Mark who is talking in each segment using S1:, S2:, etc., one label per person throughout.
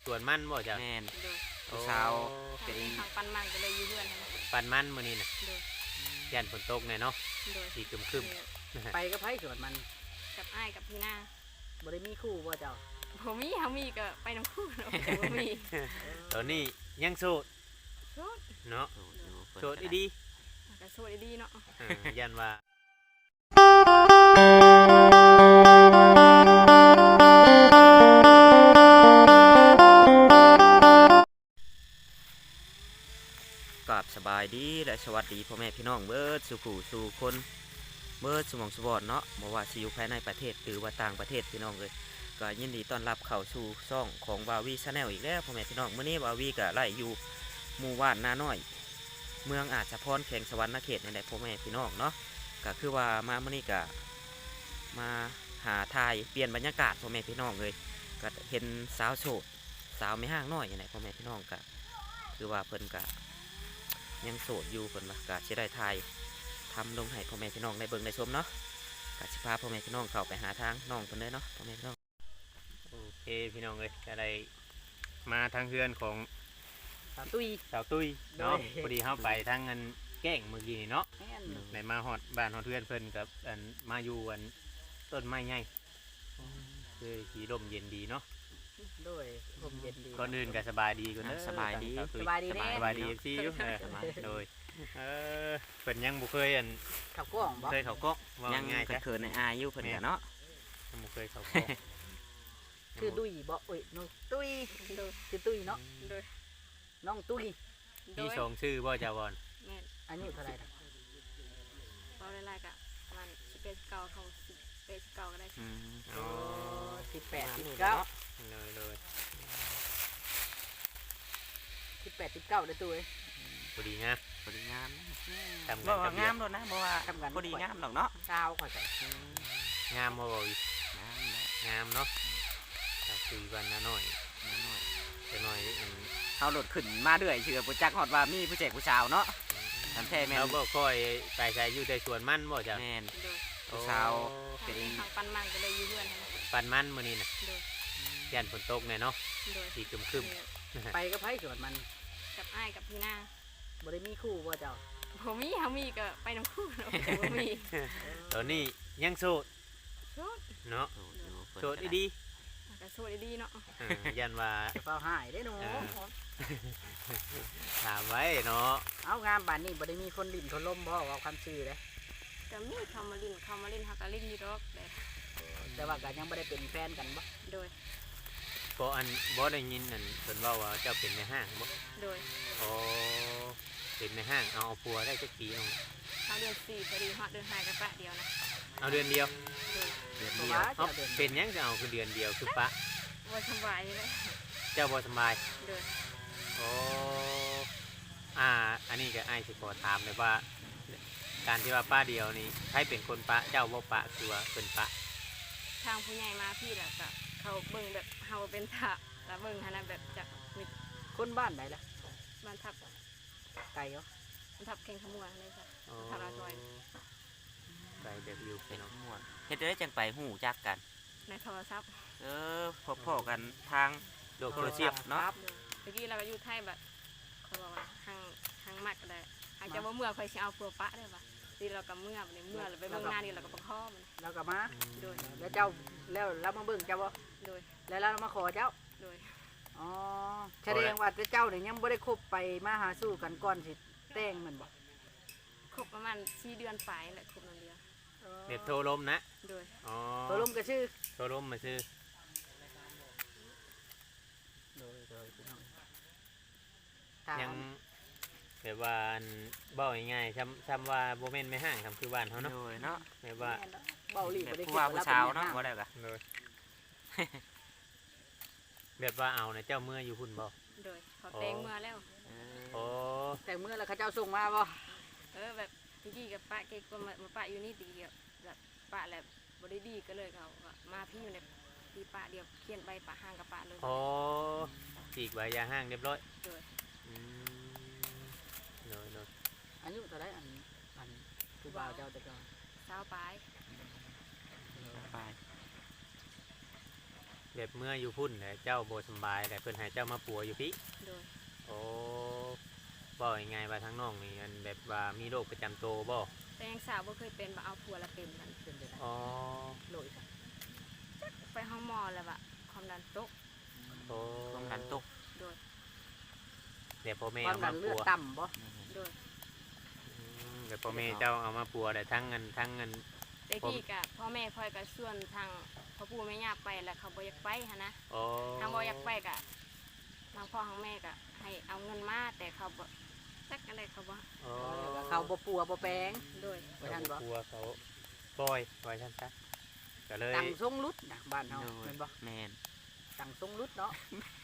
S1: วนมันบ่จ้ะ
S2: แม่น
S3: โดย
S2: ผู้สาวเป็น
S3: ทางปันมันก็เลยอยู่เพื่อนนะ
S1: ปันมันมื้อนี้น่ะ
S3: โดย
S1: ยันฝนตกแน่เนาะ
S3: โดย
S1: สีครึม
S4: ไปก็ไผสวนมัน
S3: กับอ้ายกับพี่หน้า
S4: บ่ได้มีคู่บ่เจ้า
S3: ผมมีเขามีก็ไปน้ำคู่เนาะผมมี
S1: ตอนนี้ยังโสด
S3: โสด
S1: เนาะโสดดี
S3: ก็โสดดีเนาะ
S1: ยันว่า
S2: กับสบายดีและสวัสดีพ่อแม่พี่น้องเบิดสู่ผู้สู่คนเบิดสมองสบอดเนาะบ่ว่าสิอยู่ภายในประเทศหรือว่าต่างประเทศพี่น้องเลยก็ยินดีต้อนรับเข้าสู่ช่องของบาวีชาแนลอีกแล้วพ่อแม่พี่น้องมื้อนี้บาวีก็ไล่อยู่หมู่บ้านนาน้อยเมืองอาจจะพรแข่งสวรรค์เขตในใดพ่อแม่พี่น้องเนาะก็คือว่ามามื้อนี้ก็มาหาทายเปลี่ยนบรรยากาศพ่อแม่พี่น้องเลยก็เห็นสาวโสดสาวไม่ห่างน้อยอย่างไรพ่อแม่พี่น้องก็คือว่าเพิ่นก็ยังโสดอยู่เพิ่นว่ากะสิได้ทายทำลงให้พ่อแม่พี่น้องได้เบิ่งได้ชมเนาะกะสิพาพ่อแม่พี่น้องเข้าไปหาทางน้องเพิ่นเลยเนาะพ่อแม่พี่น้อง
S1: โอเคพี่น้องเลยก็ได้มาทางเฮือนของ
S4: สาวตุ้ย
S1: เนาะพอดีเข้าไปทางเงินแก้งเมื่อกี้เนาะในมาฮอดบ้านฮอดเฮือนเพิ่นกับอันมาอยู่อันต้นไม้ใหญ่คือสีลมเย็นดีเนาะ
S4: ด้วยลมเย็นดี
S1: ก่อนอื่นก็สบายดีก่อนเด้อ
S2: สบายดี
S4: สบายดี
S1: ซี่อยู่โดยเพิ่นยังบ่เคยอัน
S4: เข้ากล้องบ่
S1: เคยเข้ากล้อง
S2: ยังง่ายเขินในอายอยู่เพิ่นก็เนาะ
S1: ยังบ่เคยเข้ากล้อง
S4: คือตุ้ยบ่เอ้ยน้องตุ้ยคือตุ้ยเนาะ
S3: โดย
S4: น้องตุ้ย
S1: มี2ชื่อบ่จ้าบ่อน
S3: แม่น
S4: อายุเท่าไหร่ล่ะ
S3: บ่ได้หลายก็ประมาณ11 9เขา11 9ก็ได้
S1: อ๋อ
S4: 18 19
S1: เลย
S4: 18 19ได้ตุ้ย
S1: พอดีงาม
S2: ทำกันงามโดนนะบ่ว่าพอดีงามดอกเนาะ
S4: ชาวข่อยก็
S1: งามบ่บ่อีงามเนาะถ้าคุยวันน้อยจะน้อย
S2: เฮาโดดขึ้นมาเรื่อยเชื่อบ่จักฮอดว่ามีผู้แจกผู้สาวเนาะทำแท้แม่น
S1: เราบ่ค่อยไปใส่อยู่ในสวนมันบ่จ้ะ
S2: แม่นผู้สาว
S3: เป็นทางปันมันก็เลยอยู่เพื่อนนะ
S1: ปันมันมื้อนี้น่ะยันฝนตกแน่เนาะสีครึม
S4: ไปก็ไผสวนมัน
S3: กับอ้ายกับพี่หน้า
S4: บ่ได้มีคู่บ่เจ้า
S3: ผมมีเขามีก็ไปน้ำคู่เนาะผมมี
S1: ตอนนี้ยังโสดเนาะโสดดี
S3: ก็โสดดีเนาะ
S1: ยันว่า
S4: เฝ้าหายได้หนู
S1: ถามไว้เนาะ
S4: เอางามบ้านนี้บ่ได้มีคนลิ้นคนลมบ่ว่าความซื่อเด้
S3: ก็มีเขามาลิ้นฮักก็ลิ้นอยู่ดอก
S4: แต่ว่าก็ยังบ่ได้เป็นแฟนกันบ่
S3: โดย
S1: ก็อันบ่ได้ยินนั่นเพิ่นเว้าว่าเจ้าเป็นในห้างบ่
S3: โดย
S1: อ๋อเป็นในห้างเอาผัวได้จักปี
S3: เอาเดือน4พอดีฮอดเดือน5ก็ปะเดียวนะ
S1: เอาเดือนเดียว
S4: เอา
S1: เป็นยังจะเอาคือเดือนเดียวคือปะ
S3: บ่สบายเลย
S1: เจ้าบ่สบาย
S3: โดย
S1: โอ้อันนี้ก็อ้ายสิขอถามเลยว่าการที่ว่าป้าเดียวนี่ใครเป็นคนปะเจ้าบ่ปะคือว่าเพิ่นปะ
S3: ทางผู้ใหญ่มาพี่แหละก็เขาเบิ่งแบบเฮาเป็นทะแล้วเบิ่งหั่นน่ะแบบจักมี
S4: คนบ้านใดล่ะ
S3: บ้านทับ
S4: ไกลเหรอ
S3: บ้านทับแข่งขมัวเลยจ้ะทับลาจอย
S1: ไกลแบบอยู่
S2: เป็นขมัวเฮ็ดได้จังไปฮู้จักกัน
S3: ในโทรศัพท์
S2: พบกันทาง
S1: โลกโซเชียล
S2: เนาะ
S3: เมื่อกี้เราก็อยู่ไทยแบบเขาบอกว่าทางมักก็ได้หากจะว่าเมื่อค่อยสิเอาผัวปะได้ป่ะทีเราก็เมื่อเราไปเบิ่งหน้านี่เราก็ประคอมัน
S4: เราก็มาโดยแล้วเจ้าแล้วเรามาเบิ่งเจ้าบ่
S3: โดย
S4: แล้วเรามาขอเจ้า
S3: โดย
S4: อ๋อแสดงว่าเจ้าเนี่ยยังบ่ได้คบไปมาหาสู่กันก่อนสิแต่งมันบ่
S3: คบประมาณ4 เดือนปลายแหละคบ1 เดือน
S1: เด็ดโทรลมนะ
S3: โดย
S4: โทรลมก็ชื่อ
S1: โทรลมมาชื่อยังแบบว่าเบ้าง่ายๆซ้ำว่าโบเมนไม่ห่างคำคือบ้านเขาเนาะแบบว่า
S4: เบ้าลี
S2: ผู้ว่าผู้สาวเนาะบ่ได้กะ
S1: แบบว่าเอานะเจ้าเมื่ออยู่หุ่นบ่
S3: โดยเขาแต่งเมื่อแล้ว
S1: โอ้
S4: แต่งเมื่อแล้วเขาเจ้าส่งมาบ่
S3: แบบพี่กับป้าเก๊กก็มาป้าอยู่นี่ดีเดียวแบบป้าแหละบริดีก็เลยเขามาพี่อยู่ในพี่ป้าเดียวเขียนใบป้าห้างกับป้าเลย
S1: อ๋อจีกใบยาห้างเรียบร้อย
S3: โดย
S4: อายุเท่าไรอันผู้บ่าวเจ้าแต่ก่อน
S3: สาวปลาย
S1: แบบเมื่ออยู่พุ่นแหละเจ้าบ่สำบายแต่เพิ่นให้เจ้ามาปัวอยู่พี่
S3: โดย
S1: โอ้บ่ยังไงว่าทั้งน้องนี่อันแบบว่ามีโรคประจำตัวบ่
S3: แต่ยังสาวบ่เคยเป็นบ่เอาผัวละเป็นมัน
S4: เป็นไปได้
S1: อ๋อ
S4: โลดค่ะ
S3: ไปห้องหมอแล้วอะความดันตก
S1: โอ้
S2: ความดันตก
S3: โดย
S1: เดี๋ยวพ่อแม่
S4: ความ
S1: เอา
S4: ดั
S1: มาน
S4: เลื
S1: ปั
S4: อด
S1: ว
S4: ต่ำบ่
S3: โดย
S1: เดี๋ยวพ่อแม่เจ้าเอามาปัวแต่ทั้งเงินทั้งเงิน
S3: แต่กี้กะพ่อแม่คอยกับส่วนทางพ่อปู่แม่ย่าไปแล้วเขาบ่อยากไปหันนะ
S1: โอ้
S3: ทางบ่อยากไปกะทางพ่อทางแม่กะให้เอาเงินมาแต่เขาบ่จักอะไรเขาบ่
S1: โอ้
S4: เขาบ่ปัวบ่แปลง
S3: โดย
S4: ไว้ท่านบ่
S1: ปัวเขาปล่อยไว้ท่านซะก็เลย
S4: ตังทรงรุดนะบ้านเฮา
S2: โดย
S4: แม่นบ่
S2: แม่น
S4: ตังทรงรุดเนาะ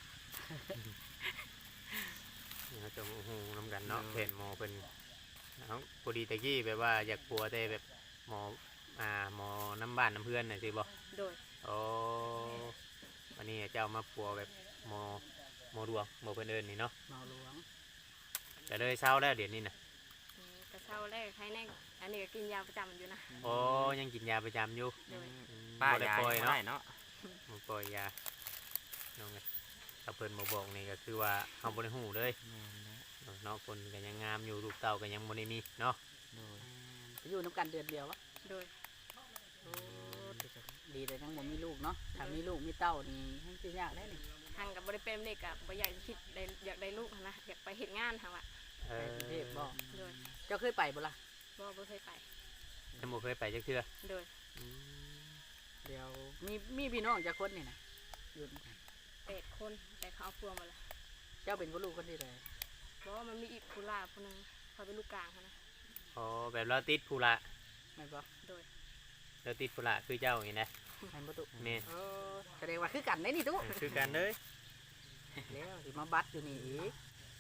S1: เขาจะหูน้ำกันเนาะเห็นหมอเป็นเอาพอดีตะกี้แบบว่าอยากปัวแต่แบบหมอหมอน้ำบ้านน้ำเพื่อนน่ะสิบ่
S3: โดย
S1: โอ้วันนี้เจ้ามาปัวแบบหมอดวงหมอเพิ่นเอิ้นนี่เนาะ
S4: เมาหลวง
S1: ก็เลยเศร้าแล้วเดี๋ยวนี้น่ะ
S3: กระเช้าแรกใครแน่อันนี้ก็กินยาประจำอยู่นะ
S1: โอ้ยังกินยาประจำอยู่
S3: โดย
S2: ป้า
S1: บ่ได้
S2: ยาย
S1: ปล่อย
S2: บ่
S1: เนาะ
S2: ได้เนาะ
S1: บ่ปล่อยยาน้องเอ้ยถ้าเพิ่นบ่บอกนี่ก็คือว่าเฮาบ่ได้ฮู้เลย
S2: แม่นแล้ว
S1: เนาะคนก็ยังงามอยู่ลูกเต้าก็ยังบ่ได้มีเนาะ
S2: โดย
S4: อยู่น้ำกันเดือนเดียววะ
S3: โดย
S4: โอ้ดีเลยทั้งบ่มีลูกเนาะถ้ามีลูกมีเต้านี่ให้สิยากได้นี่
S3: ทางกับบริเป็นเด็กกับบ่อยากคิดได้อยากได้ลูกหั้นนะอยากไปเฮ็ดงานทางว่ะ
S1: เอ
S4: ไป
S1: อก
S4: รุงเทพบ่
S3: โดย
S4: เจ้าเคยไปบ่ล่ะ
S3: บ่เคยไป
S1: ยังบ่เคยไปจักเทื่อ
S3: โดย
S4: เดี๋ยวมีพี่น้องจักคนนี่นะอยู่นำกัน
S3: 8 คนแต่เขาเอาพวงมาละ
S4: เจ้าเป็นผู้ลูกคนที่ใด
S3: เพราะว่ามันมีอีกผู้ล่าผู้หนึงเขาเป็นลูกกลางหั้นนะ
S1: อ๋อแบบเราติดภูระ
S4: แม่นบ่
S3: โดย
S1: เราติดภูระคือเจ้าอย่างนี้นะ
S4: แม่นบ่ตุ
S1: แม่น
S4: เออแสดงว่าคือกันได้นี่ตุ
S1: คือกันเลย
S4: แล้วสิมาบัดอยู่นี่อีก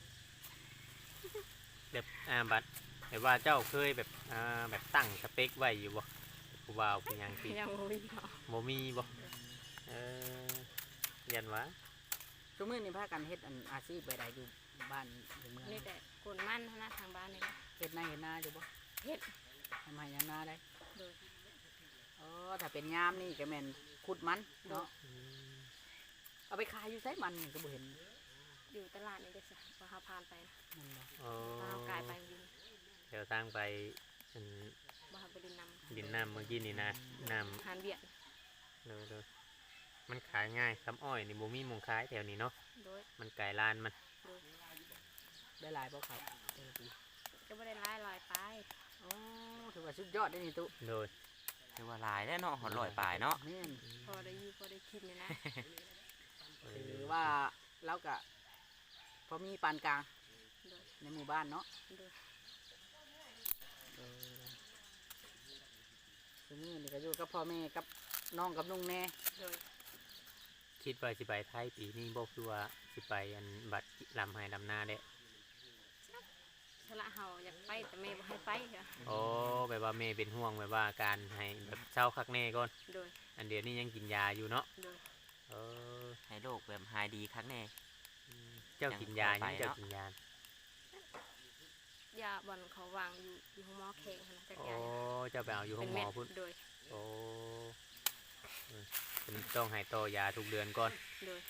S1: แบบบัดแต่ว่าเจ้าเคยแบบแบบตั้งสเปคไว้อยู่บ่ผู้บ่าวผู้หยังที่
S3: ยังบ่มีเนาะ
S1: บ่มีบ่เอยันวะ
S4: ซุมื้อนี้พากันเฮ็ดอันอาชีพใดๆอยู่บ้านอยู่เมือง
S3: นี่แต่กนมันหั้นนะทางบ้านนี่นะ
S4: เฮ็ดนาอยู่บ่
S3: เฮ็ด
S4: ทำไมยามนาได้
S3: โดย
S4: อ๋อถ้าเป็นยามนี่ก็แม่นขุดมันเนาะเอาไปขายอยู่ไสมันนี่ก็บ่เห็น
S3: อยู่ตลาดนี่เด้อจ้ะพอเฮาผ่านไปนะ
S4: นั่นบ่
S1: อ๋อ
S3: พอเฮากายไปดิน
S1: เดี๋ยวทางไปอัน
S3: บ่เฮาไปดินนำ
S1: ดินน้ำเมื่อกี้นี่นะน้
S3: หานเวียด
S1: ำเลยมันขายง่ายคำอ้อยนี่บ่มีหมองขายแถวนี้เนาะ
S3: โดย
S1: มันไก่ลานมัน
S3: โดย
S4: ได้หลายบ่ครับแต่ละปี
S3: ก็บ่ได้ลอยไป
S4: อ๋อถือว่าสุดยอดได้นี่ตุ
S1: โดย
S2: ถือว่าหลายแล้วเนาะหอด100ปลายเนาะ
S4: แม่น
S3: พอได้อยู่พอได้กินนี่นะ
S4: ถือว่าเราก็พอมีปานกลาง
S3: โดย
S4: ในหมู่บ้านเนาะ
S3: โดย
S4: ซุมื้อนี่ก็อยู่กับพ่อแม่กับน้องกับลุงแน่
S3: โดย
S1: คิดว่าสิไปไทยปีนี้บ่คือว่าสิไปอันบัดลำไห้ลำนาเด้
S3: สละเฮาอยากไปแต่แม่บ่ให้ไปค่ะ
S1: โอ้แบบว่าแม่เป็นห่วงแบบว่าการให้แบบเศร้าคักแน่ก่อน
S3: โดย
S1: อันเดียวนี้ยังกินยาอยู่เนาะ
S3: โดย
S1: เออ
S2: ให้โรคแบบหายดีครั้งแน่
S1: เจ้ากินยา
S2: ยังพอไป
S1: ยังเจ้า
S2: เนาะ
S1: กินยาย
S3: าบ่อนเขาวางอยู่ห้องหมอแข็งหั้นนะจัก
S1: โอ้
S3: ยา
S1: เจ้าไปเอาอยู่ห้องหมอพุ่น
S3: โดย
S1: โอ้เออเป็นต้องให้ต่อยาทุกเดือนก่อน
S3: โดย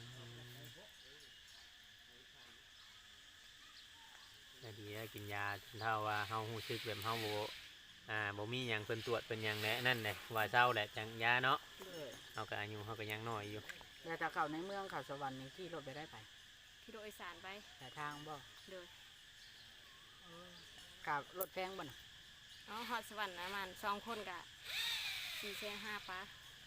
S1: แต่ดีแล้วกินยาจนเท่าว่าเฮาฮู้สึกแบบเฮาบ่มีหยังเพิ่นตรวจเพิ่นหยังแหละนั่นแหละว่าเศร้าแหละจังยาเนาะ
S3: โดย
S1: เฮาก็อายุเฮาก็ยังน้อยอยู่
S4: แล้วถ้าเข้าในเมืองเข้าสวรรค์นี่ขี่รถไปได้ไป
S3: ขี่รถโดยสารไป
S4: แต่ทางบ่
S3: โดย
S4: กับรถแพงบ่น่ะ
S3: อ๋อฮอดสวรรค์นะมัน2คนก็4,500ปะ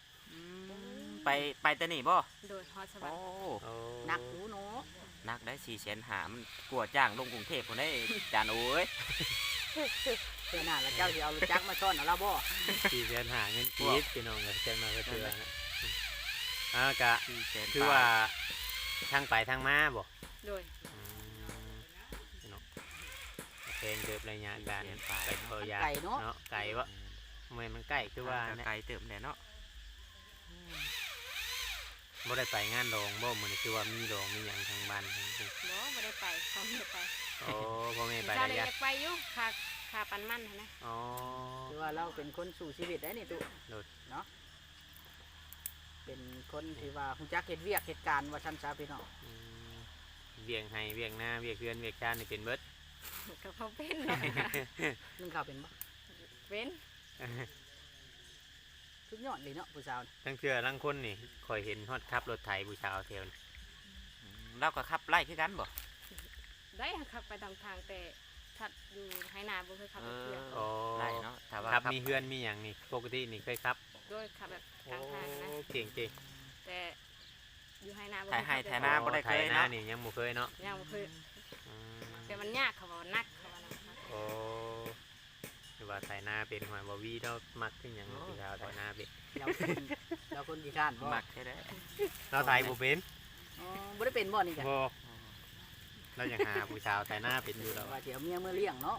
S2: ไปแต่นี่บ่
S3: โดยฮอดสวร
S2: โอ้
S3: รค์
S1: โอ้
S4: หนักหูเนาะ
S2: นักได้400,000มันกลัวจ้างลงกรุงเทพพุ่นได้จานโอ้ย
S4: เจ้าหน้าแล้วเจ้าสิเอารถจักรมาซ่อนเอาละบ่
S1: สี่เดือนหาเงินกีดพี่น้องเลยจังน้อยก็เตือนนะกะ
S2: 400,000
S1: คือว่าทางไปทางมาบ่
S3: โดย
S1: พี่น้องเพลงเกิดระยะการไปเผายา
S4: ไก่เนาะ
S1: เนาะไก่วะมันใกล้คือว่าเนี่ย
S2: ไกลเติมแน่เนาะ
S1: บ่ได้ไปงานดองบ่มื้อนี้คือว่ามีดองมีหยังทางบ้านทางนี้
S3: บ่ได้ไปเขาไม่ได้ไป
S1: โอ้พ่อแม่ไป
S3: เจ้า
S1: ได้
S3: ได้อ
S1: ยัง
S3: ยากไปอยู่ค่าปันมันหั้นนะ
S1: อ๋อ
S4: คือว่าเราเป็นคนสู่ชีวิตได้นี่ตุ
S1: โดด
S4: เนาะเป็นคนที่ว่าฮู้จักเฮ็ดเวียกเฮ็ดการว่าซั่นซะพี่น้อง
S1: อืมเวียงให้เวียงหน้าเวียงเฮือนเวียงชาตินี่เป็นเบิด
S3: ก็พอเป็นเนาะ
S4: นึ่งข้าวเป็นบ่
S3: เป็น
S4: สุดยอดเลยเนาะผู้สาวนี่
S1: ทั้งเทื่อทั้งคนนี่คอยเห็นฮอดขับรถไถผู้ชาวแถวนี่
S2: เราก็ขับไล่คือกันบ่
S3: ได้ขับไปตามทางแต่ถัดอยู่ให้นาบ่เคยขับรถเพื่อน
S1: อ๋อ
S2: ไล่เนาะถ้าว่า
S1: ขับมีเฮือนมีหยังนี่ปกตินี่เคยขับ
S3: โดยขับแบบก
S1: โอ้
S3: ลางทางนะ
S1: เก่ง
S3: แต่อยู่ให้นาบ่
S2: ถ่ายให้
S3: เค
S2: ถ่าย
S3: ย
S2: หน้า
S3: ขับ
S2: บ่ได้
S1: ไถ
S2: เคย
S1: หน้า
S2: เนาะ
S1: นี่ยังบ่เคยเนาะ
S3: ยังบ่เคย
S1: อืม
S3: แต่มันยากเขาบอกว่านักเขาว่านะ
S1: โอ้หรือว่าไถนาเป็นหอยบ่วีเรามักขึ้นหยังผู้ชาวไถนาเป็น
S4: เราคนกี่ข้านบ่
S2: มักแค่ได้
S1: เราไถบ่เป็น
S4: อ๋อบ่ได้เป็นบ่นี่จ้ะ
S1: บ่เราอยากหาผู้ชาวไถนาเป็นอยู่แล้ว
S4: ว่าสิเอาเมียเมื่อเลี้ยงเนาะ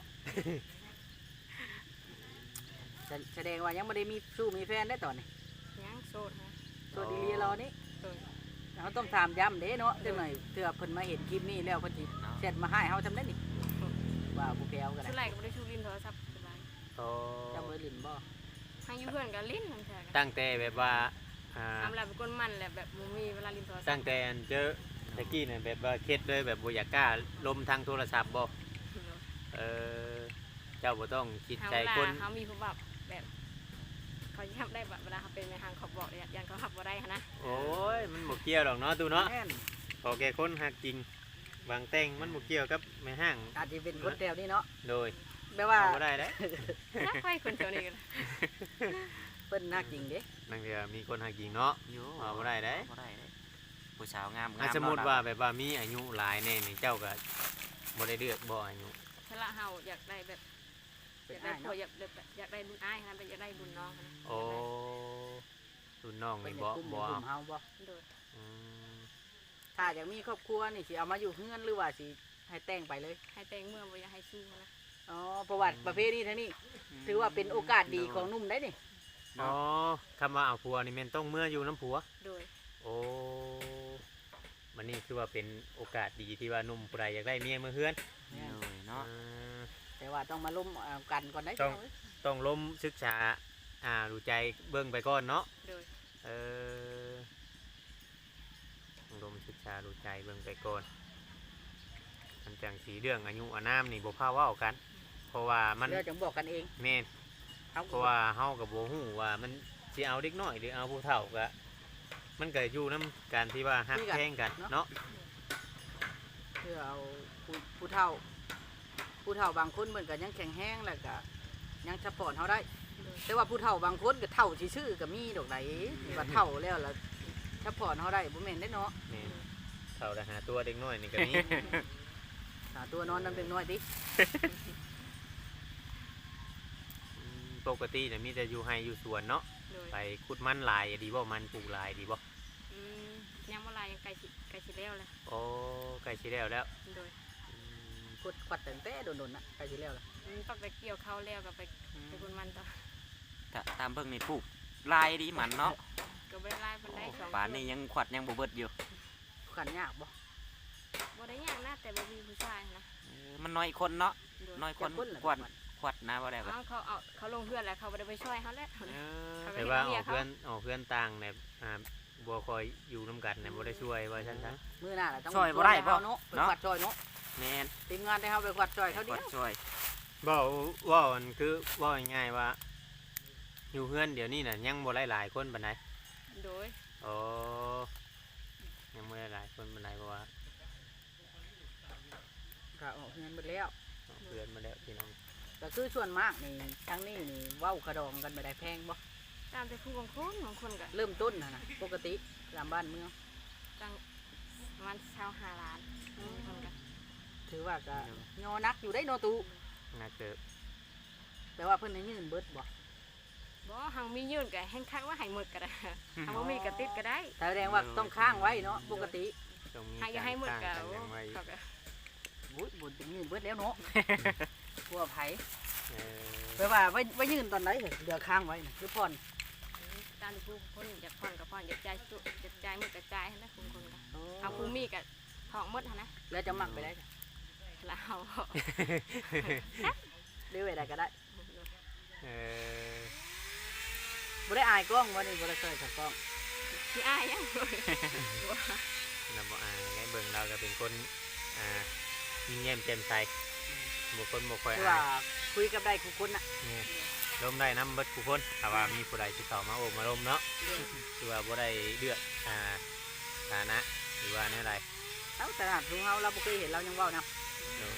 S4: แสดงว่ายังบ่ได้มีสู้มีแฟนได้ตอนนี้
S3: ยังโสดฮะ
S4: สวัสดีลีรอนี่
S3: โสด
S4: เราต้องถามย้ำเด้เนาะจังหน่อยเผื่อเพิ่นมาเห็นคลิปนี้แล้วเพิ่นสิแชทมาให้เฮาจำได้นี่ว่าผู้แก้วกัน
S3: สุด
S4: นะ
S3: ไรก็บ่ได้ชูลิ้นโทรศัพท์สบาย
S1: โอ้
S4: จำเบอร์ลินบ่
S3: ให้อยู่เพื่อนก็ลิ้นนั่นแท้กัน
S1: ตั้งแต่แบบว่า
S3: ทำแล้วเป็นคนมันแหละแบบบ่มีเวลาลิ้นโทรศัพท์
S1: ตั้งแต่อันเจอตะกี้เนี่ยแบบว่าเคล็ดเลยแบบบ่อยากกล้าลมทางโทรศัพท์บ่เออเจ้าบ่ต้องคิด
S3: เฮา
S1: ใจ
S3: เวลา
S1: คน
S3: เฮามีผู้แบบแบบเขาทำได้แบบเวลาเขาเป็นในทางเขาบอกยันเขาขับบ่ได้หั้นนะ
S1: โอ้ยมันบ่เกี่ยวหรอกเนาะตูเนาะ
S4: แม่น
S1: พอแก่คนหักจริงบางแต่งมันบ่เกี่ยวกับแม่ห้าง
S4: อาจจะเป็นคนแถวนี้เนาะ
S1: โดย
S4: แปลว่า
S1: เอาบ่ได้เด้
S3: นักไฟคนเท่านี้กัน
S4: เพิ่นน่าจริงเด้
S1: นั่นเดียวมีคนหักจริงเนาะ
S2: อยู่
S1: เอาบ่ได้เด้
S2: บ่ได้เด้ผู้สาวงาม
S1: อ่ะสมมุติว่าแบบว่ามีอายุหลายแน่นี่เจ้าก็บ่ได้เลือกบ่อายุ
S3: ถ้าละเฮาอยากได้แบบ
S4: เป็
S3: อน ยาก
S4: ได้
S3: ได้ผัว
S4: เนาะ
S3: อยากได้บุญอ้ายนะเป็นอยากได้บุญน้องนะ
S1: โอ้รุ่นน้อง
S4: เพิ่น
S1: นี่
S4: จะ
S1: บ่
S4: กุ้ม
S1: บ่
S4: ก
S1: เอา
S4: ลุ่มเฮาบ่
S3: โดย
S1: อืม
S4: ถ้าอยากมีครอบครัวนี่สิเอามาอยู่เฮือนหรือว่าสิให้แต่งไปเลย
S3: ให้แต่งเมื่อบ่อยากให้สู้นะ
S4: อ๋อประวัติประเภทนี้ทั้งนี้ถือว่าเป็นโอกาสดีของหนุ่มได้นี่
S1: อ๋อคำว่าเอาผัวนี่แม่นต้องเมื่ออยู่น้ำผัว
S3: โดย
S1: โอ้มันนี่คือว่าเป็นโอกาสดีที่ว่าหนุ่มผู้ใดอยากได้เมียมือเฮือน
S2: เลยเนาะ
S1: อ่า
S4: แต่ว่าต้องมาล้มกันก่อนได้
S1: ต้อง ต้องล้มศึกษาดูใจเบิ่งไปก่อนเนาะ
S3: โดย
S1: เออต้องล้มศึกษาดูใจเบิ่งไปก่อนมันจังสีเรื่องอายุอานามนี่บ่พาเว้ากัน เพราะว่ามัน
S4: เดี๋ยวจะบอกกันเอง
S1: แม่น
S4: เอา
S1: เพราะว่าเฮากับบ่ฮู้ว่ามันสิเอาเด็กน้อยหรือเอาผู้เฒ่าก็มันก็อยู่นํการที่ว่าฮักแพงกันเนาะ
S4: เพื่อเอาผู้เฒ่า ผู้เฒ่าบางคนเหมือนกันยังแข็งแห้งแล้วก็ยังซัพพอร์ตเขาได้ แต่ว่าผู้เฒ่าบางคนก็เฒ่าชื่อๆก็มีดอกไหนว่าเฒ่าแล้วล่ะซัพพอร์ตเขาได้บ่แม่นได้เนาะ
S1: แม่นเฒ่าแต่หาตัวเด็กน้อยนี่ก็มี
S4: หาตัวนอนนำเด็กน้อยติ
S1: ปกติเนี่ยมีแต่อยู่ไห้อยู่สวนเนาะ
S3: โดย
S1: ไปขุดมันหลายดีบ่มันปลูกหลายดีบ่
S3: อืมยังบ่ลายยังไกลสิแล้วเลย
S1: โอ้ใกล้สิแล้วแล้ว
S3: โดย
S1: อืม
S4: กดขวัดตั้งแต่โดนๆนะใกล้สิแล้วล่ะ
S3: ต้องไปเกี่ยวข้าวแล้วก็ไปบุญมันต่อ
S2: ถ้าตามเบิ่งนี่ปลูกลายดีมันเนาะ
S3: ก็บ่ได้ลายเพิ่นได้สอง
S2: ป่านนี้ยังขวัดยังบ่เบิดอยู่
S4: ขันยากบ่
S3: บ่ได้ยากนะแต่บ่มีผู้ชายนะ
S2: มันน้อยคนเนาะ
S3: โดย
S2: น้อยคน
S4: จะล่ะ
S2: ขวัดขวัดนะบ่ได้ก็
S3: เขาลงเพื่อนแล้วเขาบ่ได้ไปช่วยเขาแล้ว
S1: แต่ว่าออกเพื่อนต่างเนี่ยบัวคอยอยู่น้ำกันเนี่ยบ่ได้ช่วยว่าฉันซะ
S4: มื้อหน้าล่ะต้อง
S2: ช่วยบ่ได้บ่
S4: เนาะไปขวัดช่วยเนาะ
S2: แม่น
S4: ทีมงานได้เฮาไปขวัดช่วยเขา
S2: ข
S4: เดี
S2: วั
S4: ย
S2: ด
S4: ว
S2: ช่วย
S1: บ่ว่ามันคือว่าง่ายๆว่า อยู่เพื่อนเดี๋ยวนี้น่ะยังบ่หลายๆคนปานใด
S3: โดย
S1: อ๋อยังบ่หลายๆคนปานใดเพราะว่า
S4: ก็ออกเงินหมดแล้ว
S1: เอาเพื่อนมาแล้วพี่น้อง
S4: ก็คือส่วนมากนี่ทั้งนี้นี่เว้ากระดองกันไม่ได้แพงบ่
S3: ตามแต่ผู้บางคนก็
S4: เริ่มต้นนะปกติตามบ้านเมือง
S3: ตั้งประมาณชาว5ล้านคนก็
S4: ถือว่าก็ยอนักอยู่ได้โนตู
S1: น่าเกิด
S4: แปลว่าเพิ่นให้ยืนเบิดบ่
S3: บ่หังมียื่นก็แห้งคักว่าให้หมดก็ได้หังบ่มีก็ติดก็ได้
S4: แสดงว่าต้องข้างไว้เนาะปกติ
S1: ต้องมี
S3: หังอย่าให้หมดก็
S1: ต่างกันอย่างไร
S3: เขาก็
S4: อุ้ยบุญจะยืนเบิดแล้วเนาะกลัวไผ
S1: เออ
S4: แปลว่าไว้ยืนตอนไหนเดือข้างไว้น่ะคือผ่อน
S3: ตามที่ผู้คนอยากผ่อนก็ผ่อนอยากจ่ายสุอยากจ่ายหมดก็จ่ายนะคุณคนก็เอาผู้มีก็ทองหมดหั่นนะ
S4: แล้วจะมักไปได้จ้ะ
S3: แล้วเอา
S4: หรือไว้ได้ก็ได้
S1: เออ
S4: บ่ได้อายกล้องบ่นี่บ่ได้เคยกับกล้อง
S3: บสิอายยังบ่
S1: นำบ่อายในเบิ่งเราก็เป็นคนยิ้มแย้มแจ่มใสบ่คนบ่ค่อย
S4: คือ
S1: อา
S4: ว่าย คุยกับได้ทุกคนน่ะ
S1: นี่ร่มได้น้ำเบิดผู้คนถ้าว่ามีผู้ใดติดต่อมาโอบมาร่มเนาะ
S3: โดย
S1: คือว่าบ่ได้เลือกฐานะหรือว่าแนวใด
S4: เอ้าแต่หากทุกเฮาเราบ่เคยเห็นเรายังเว้านํ
S1: โดย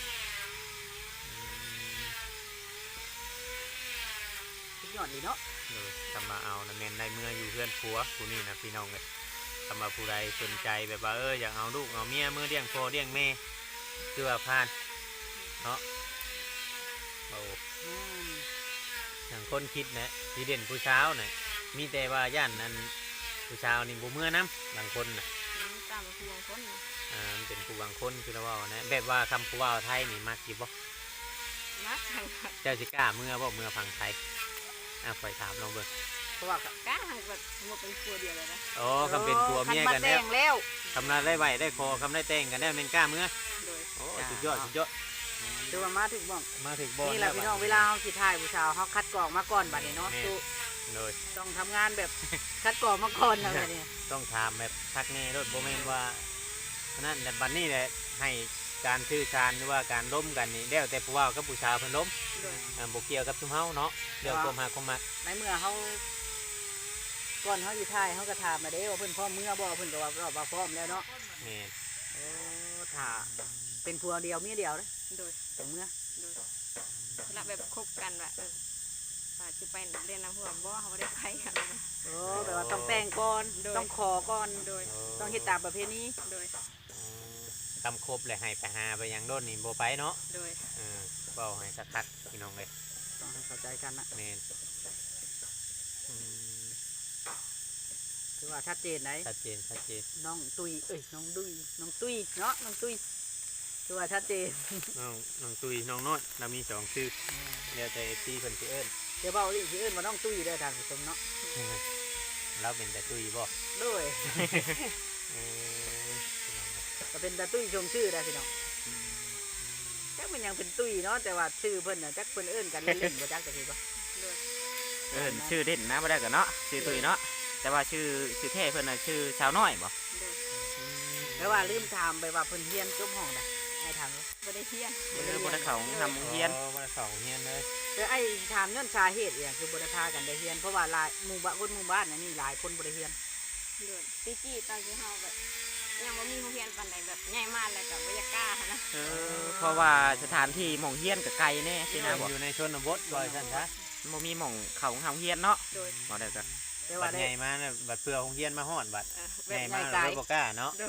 S4: สุดยอดดีเนาะ
S1: โดยทำมาเอานะแม่นได้เมื่ออยู่เพื่อนผัวผู้นี่นะพี่น้องเลยทำมาผู้ใดสนใจแบบว่าอยากเอาลูกเอาเมียมือเลี้ยงพ่อเลี้ยงแม่คือว่าผ่านเนาะโอ้
S4: อืม
S1: อย่างคนคิดนะที่เด่นผู้เช้าวน่ะมีแต่ว่าย่านนั้นผู้เช้าวนี่บ่เมื่อน้ำบางคนน่ะ
S3: ตามผู้บางคนนะ
S1: มันเป็นผู้บางคนคือเราว่านะแบบว่าคำผู้ว่าไทยนี่มักอยู่บ่
S3: มักทาง
S1: เจ้าสิกล้าเมื่อบ่เมื่อฟังไทยคอยถามลองเบิ่ง
S4: เพราะว่า
S3: ก้าทางแบบสมมติเป็นครัวเดียวเลยนะ
S1: อ๋อคำเป็นผัวเมียกัน
S4: แล้
S1: แล้ว
S4: วแล้ว
S1: คำนั้นได้ไหวได้คอคำได้แต่งกันได้เป็นกล้าเมื่อ
S3: โดย
S1: โอ้สุดยอดสุดยอด
S4: คือว่ามาถึงบ้อง
S1: มาถึงบอล
S4: นี่แหละพี่น้องเวลาเฮาสิถ่ายผู้สาวเฮาคัดกรองมาก่อนบัดนี้เนาะ
S1: แม่
S4: ตู้
S1: โดย
S4: ต้องทำงานแบบคัดกรองมาก่อนนะบัดนี้
S1: ต้องถามแบบทักแน่รถโบแมนว่านั่นแต่บัดนี้แหละให้การชื่อชานหรือว่าการล้มกันนี่แล้วแต่ผู้ว่ากับผู้ชาวเพิ่นล้ม
S3: โดย
S1: บ่เกี่ยวกับชุมเฮาเนาะเรื่องความหักความมัก
S4: ในเมื่อเฮาก่อนเฮาอยู่ถ่ายเฮาก็ถามมาเด้ว่าเพิ่นพร้อมเมื่อบ่เพิ่นก็ว่าพร้อมแล้วเนาะ
S1: แม่น
S4: โอ้ถ้าเป็นผัวเดียวเมียเดียวเลย
S3: โดย
S4: เป็นเมื่อ
S3: โดยเวลาแบบคบกันแบบว่าจะไปเรียนน้ำหัวบ่เขาไม่ได้ไปอะไรนะ
S4: โอ้แบบว่าต้องแต่งก่อน
S3: โดย
S4: ต้องขอก่อน
S3: โดย
S4: ต้องเฮ็ดตามประเพณี
S3: โดย
S1: คำครบเลยให้ไปหาไปหยังโดนนี่บ่ไปเนาะ
S3: โดย
S1: เว้าให้คักๆพี่น้องเลย
S4: ต้องให้เข้าใจกันนะ
S1: แม่นอืม
S4: คือว่าชัดเจนไหน
S1: ชัดเจนชัดเจน
S4: น้องตุยเอ้ยน้องดุยน้องตุยเนาะน้องตุยคือว่าชัดเจน
S1: น้องตุยน้องโน้อยเรามีสองชื่อแล้วแต่ FC เพิ่นสิเอิ้น
S4: เดี๋ยวเบาอีกสิเอิ้นว่าน้องตุยเด้อท่านผู้ชมเนาะ
S1: เราเป็นแต่ตุยบ่
S4: ด้วย
S1: เออ
S4: ก็เป็นตาตุ้ยชมชื่อได้พี่น้องจักมันยังเป็นตุ้ยเนาะแต่ว่าชื่อเพิ่นน่ะจักเพิ่นเอิ้นกันเล่นๆบ่จักจะพี่บ่
S3: โดย
S2: ชื่อเด่นนะบ่ได้กันเนาะชื่อตุยเนาะแต่ว่าชื่อแท้เพิ่นน่ะชื่อชาวน้อยบ่
S3: โดย
S4: แต่ว่าลืมถามไปว่าเพิ่นเรียนจบห้องใดไอ้ถามเลย
S3: ไม่ได้เที่ยง
S2: บ่ได้เข้าทำโรงเรียน
S1: มาสองเฮียนเลย
S4: แต่ไอ้ถามย้อนสาเหตุอย่างคือบ่ได้พากันได้เรียนเพราะว่าหลายหมู่บ้านคนหมู่บ้านอันนี้หลายคนบ่ได้เรียน
S3: โดยตีกี้ตอนที่เฮาแบบยังไม่มีโรงเรียนปันใดแบบใหญ่มากเลยกับวิทยากล้านะ
S2: เพราะว่าสถานที่หม่องเฮียนก็ไกลแน่สินะบ่
S1: อยู่ในชนบทบ่อยท่านคะ
S2: บ่มีหม่องเข้าเฮาเฮียนเนาะ
S3: โดย
S2: บ่ได้ก็
S4: แต่
S1: บั
S4: ว่า
S1: ด
S4: ได้
S1: ใหญ่มาเนี่ยบัดเพื่อของเฮียนมาฮอดบัด
S3: แบ
S1: ใหญ่
S3: บ
S1: มา
S4: ใหญ่ไกล
S1: เลยบ่กล้าเนาะ
S3: โดย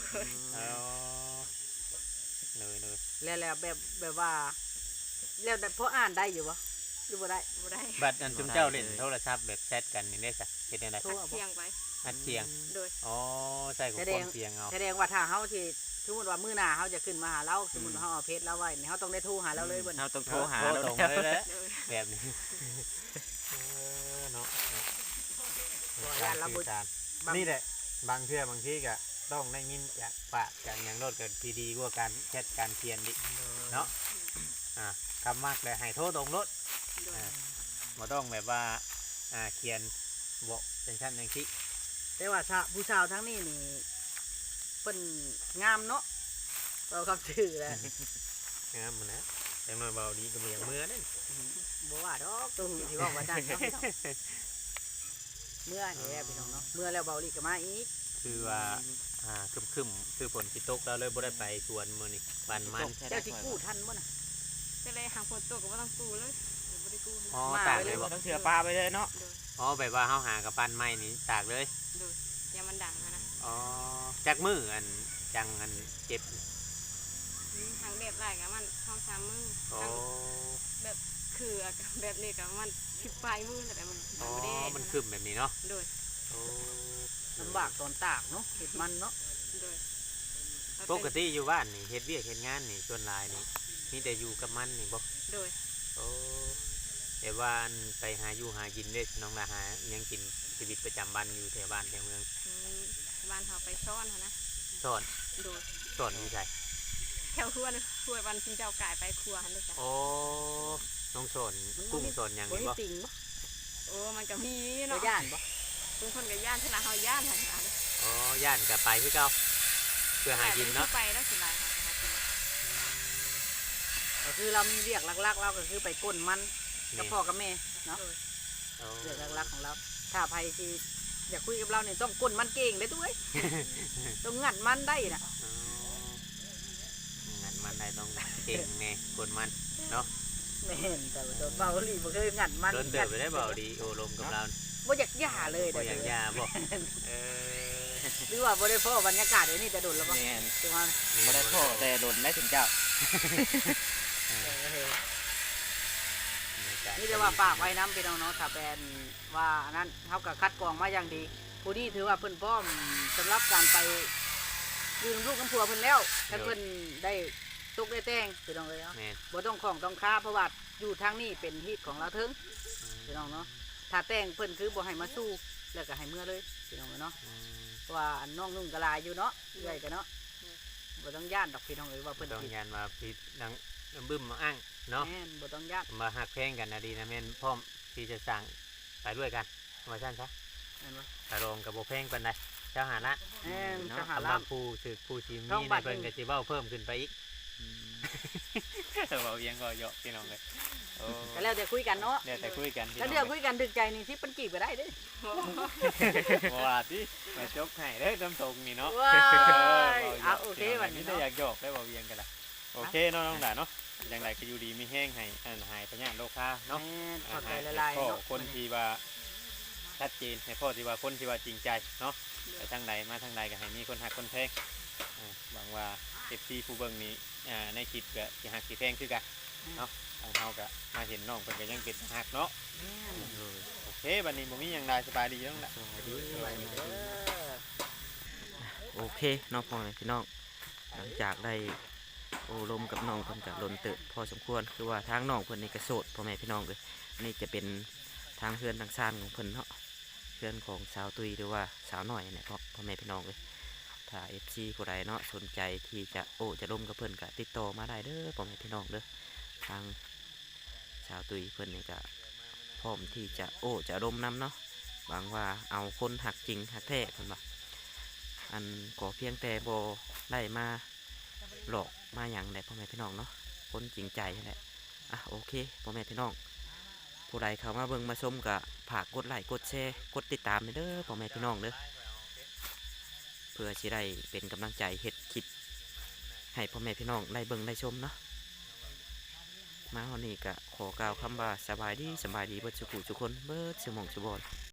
S1: เลย
S4: แล้วแบบว่าแล้วแต่พออ่านได้อยู่บ่หรือบ่ได้
S3: บ่ได้
S1: บัดอันจุมเจ้าเล่นโทรศัพท์แบบแชทกันนี่ได้ซะเฮ็ดจังได๋
S4: โทรเอาบ่
S3: เที่ยงไป
S1: อัดเสียง
S3: โดย
S1: อ๋อใส่กับความเสียงเอา
S4: แสดงว่าถ้าเฮาที่สมมุติว่ามื้อหน้าเฮาจะขึ้นมาหาเราสมมุติว่าเฮาเอาเพจเราไว้นี่เฮาต้องได้โทรหาเราเลยเบิ่น
S2: เฮาต้องโทรหา
S1: โทร
S2: เรา
S1: ตรง
S2: แล้ว
S1: เลยแหละ
S3: โดย
S1: แบบนี้เนาะ
S4: ย่านเราบ่
S1: นี่แหละบางเทื่อบางทีก็ต้องได้ยินจากปากจากหยังโลดก็ที่ดีกว่าการแชทการเขียนดิเนาะคำมากเลยให้โทรตรงรถ
S3: โดย
S1: บ่ต้องแบบว่าเขียนบอกเป็นชั้นอย่างที่
S4: แต่ว่าผู้สาวทั้งนี้นี่เพิ่นงามเนาะเราคำชื่อแหละ
S1: งามมันนะจังน้อยเบาดีก็บ่อย่างเมื่อนั่น
S4: บ่ว่าดอกตัวหูที่ว่าว่าจันเนาะพี่น้องเมื่อนี่แหละพี่น้องเนาะเมื่อแล้วเบาลีก็มาอีก
S1: คือว่าคึมๆคือฝนสิตกแล้วเลยบ่ได้ไปสวนมื้อนี้บ้านมัน
S4: เจ้าสิกู้ทันบ่น่ะ
S3: ก็เลยหางฝนตกก็ไม่ต้องกู้เลยไม่ได้กู้
S1: อ๋อ
S4: มา
S1: ตาก
S4: ไว้
S1: เล
S4: เลย ย
S1: บ่
S2: ต้องเสือปลาไปเลยเนาะ
S3: โดย
S1: อ๋อแบบว่าเฮาหากับปั้นไม้นี่ตากเลย
S3: โดยยามันดังนะ
S1: อ๋อจักมืออันจังอันเจ็บ
S3: ทางแบบไรกับมันท้อง3 มื้อ
S1: อ๋อ
S3: ทางแบบคือแบบนี้กับมัน10 ปลายมื้อแต่มัน
S1: อ๋อ
S3: ไม่ได้
S1: มันคึมแบบนี้เนาะ
S3: โดย
S1: โอ้
S4: ลำบากตอนตากเนาะเห็ดมันเนาะ
S3: โดย
S1: ปกติอยู่บ้านนี่เฮ็ดเวียกเฮ็ดงานนี่ส่วนหลายนี่มีแต่อยู่กับมันนี่บ่
S3: โดย
S1: โอ้แต่ว่าอันไปหาอยู่หากินเด้น้องละหาอิหยังกินชีวิตประจำวันอยู่แถวบ้านแถวเมือง
S3: บ้านเขาไปซ่อนนะ
S1: สอน
S3: โดย
S1: สอนอยู่ไส
S3: แถวครัวนะครัววันชิงเจ้ากายไปครัวหันด้วยจ้ะ
S1: โอ้น้องสอนกุ้งสอนหยัง
S4: บ่
S1: นี่
S4: มี
S1: บ่
S4: ปิงบ่
S3: โอ้มันก็มี
S4: บ่
S3: เนาะ
S4: ย่านบ่
S3: บางคนก็ย่านสลาเฮาย่านหันหาเลย
S1: อ๋อย่านกับไปคือเก่าเพื่อหากินเนาะ
S3: ไปแล้วสลายค่ะหากิน
S4: ก็คือเรามีเรียกหลักๆเราก็คือไปก้นมันกับพ่อกับแม่เนาะ
S1: โอ้
S4: เรียกหลักๆของเรา ถ้าใครที่อยากคุยกับเราเนี่ยต้องก้นมันเก่งเลยตุ้ย ต้องงัดมันได้น่ะ
S1: อ๋องัดมันได้ต้องเก่งแน่คนมันเนาะ
S4: แม่นแต่ว่าตัวเบาหลีบ่เคยงัดมัน
S1: โดนเดือดไปได้เบาดีโอลมกับเรา
S4: บ่อยากหย่าเลย
S1: บ่อย่างยาบอกเออ
S4: หรือว่าบ่ได้พ่อบรรยากาศเดี๋ยวนี้จะโดนแล้วบ่
S2: แม่น
S4: จังว่า
S2: บ่ได้พ่อแต่โดนได้ถึงเจ้า
S4: นี่จะว่าฝากไว้น้ำพี่น้องเนาะถ้าเป็นว่าอันนั้นเฮาก็คัดกรองมาอย่างดี ผู้นี้ถือว่าเพิ่นพร้อมสำหรับการไปยืมลูกน้ำผัวเพิ่นแล้วถ้าเพิ่นได้ตกได้แต่งพี่น้องเลยเนาะ
S1: แม่น
S4: บ่ต้องของต้องค้าเพราะว่าอยู่ทางนี้เป็นฮีตของเราเถิงพี่น้องเนาะถ้าแต่งเพิ่นคือบ่ให้มาสู้แล้วก็ให้เมื่อเลยพี่น้องเอ้ยเนาะ
S1: อืม
S4: เพราะว่าอันน้องนุ่งกะลายอยู่เนาะเรื่อยกันเนาะบ่ต้องย่านดอกพี่น้องเอ้ยว่าเพิ่น
S1: ต้อง
S4: ผิด
S1: ยานมาพิดดังบึ้มมาอ้างเนาะ
S4: แม่นบ่ต้องย่าน
S1: มาหักแพงกันนะดีนะแม่นพร้อมที่จะสั่งไปด้วยกันมาสั้นซะ
S4: แม่นบ่
S1: ตาโรงกับโบแพงปันใดเจ้าหาละ
S4: แม่นจะหา
S1: สำห
S4: ลา
S1: รั
S4: บบ
S1: ผู้ถือผู้ชิม
S4: ต้อง
S1: นี่
S4: บั
S1: ใน
S4: ตร
S1: เพิ่น
S4: หนึ่
S1: ก็
S4: ง
S1: สิเว้าเพิ่มขึ้นไปอีกเบาเอียงก็เยอะพี่น้องเลยโอ้
S4: ก็แล้วแต่คุยกันเนาะ
S1: เดี๋ยวแต่คุยกันพี่
S4: ถ้า
S1: น้
S4: เดี๋ยว
S1: อง
S4: คุยกันถึกใจนี่ที่เพิ่นจีบก็ได้เด้อ
S1: ว่าที่มาจบให้ได้อน้ำตกนี่เนาะ
S4: ว้ายเอา
S1: ว้
S4: โอเควันนี้
S1: ได้
S4: เนาะ
S1: อยากหยอกได้เบาเอียงกันละโอเคเนาะน้องด่าเนาะอย่างไรก็อยู่ดีมีแห้งให้อันหายพญาโลคาเนาะ
S4: แม่นขอใจ
S1: ให้
S4: ละลาย
S1: พ่อ
S4: เนาะ
S1: คนที่ว่าชัดเจนให้พ่อที่ว่าคนที่ว่าจริงใจเนาะไปทางใดมาทางใดก็ให้มีคนหักคนแพงหวังว่าเอฟซีผู้เบิ่งนี้ในคลิปก็สิหักสิแพงคือกันเนาะทางเฮาก็มาเห็นน้องเพิ่นก็ยังเป็นหักเนาะ
S4: แม่น
S1: โอเคบัดนี้บ่มีหยังใดสบายดีจังละ
S4: ไว้เด้อ
S2: โอเคเน้องพ่อแม่พี่น้องหลังจากได้โอ้ลมกับน้องเพิ่นก็ล้นเติบพอสมควรคือว่าทางน้องเพิ่นนี่ก็โสดพ่อแม่พี่น้องเลยอันนี้จะเป็นทางเพื่อนทางซ่านของเพิ่นเนาะเพื่อนของสาวตุยหรือว่าสาวหน่อยเนี่ยพ่อแม่พี่น้องเลยถ้า FC ผู้ใดเนาะสนใจที่จะโอ้จะร่วมกับเพิ่นก็ติดต่อมาได้เด้อพ่อแม่พี่น้องเด้อทางสาวตุยเพิ่นนี่ก็พร้อมที่จะโอ้จะร่วมนำเนาะหวังว่าเอาคนหักจริงหักแท้เพิ่นว่าอันก็เพียงแต่บ่ได้มาหลอกมาหยังได้พ่อแม่พี่น้องเนาะคนจริงใจนั่นแหละอ่ะโอเคพ่อแม่พี่น้องผู้ใดเข้ามาเบิ่งมาชมก็ฝากกดไลค์กดแชร์กดติดตามเด้อพ่อแม่พี่น้องเด้อเพื่อสิได้เป็นกำลังใจเฮ็ดคลิปให้พ่อแม่พี่น้องได้เบิ่งได้ชมเนาะมาวันนี้ก็ขอกล่าวคำว่าสบายดีเบิดสุขุทุกคนเบิดสมองสุบอน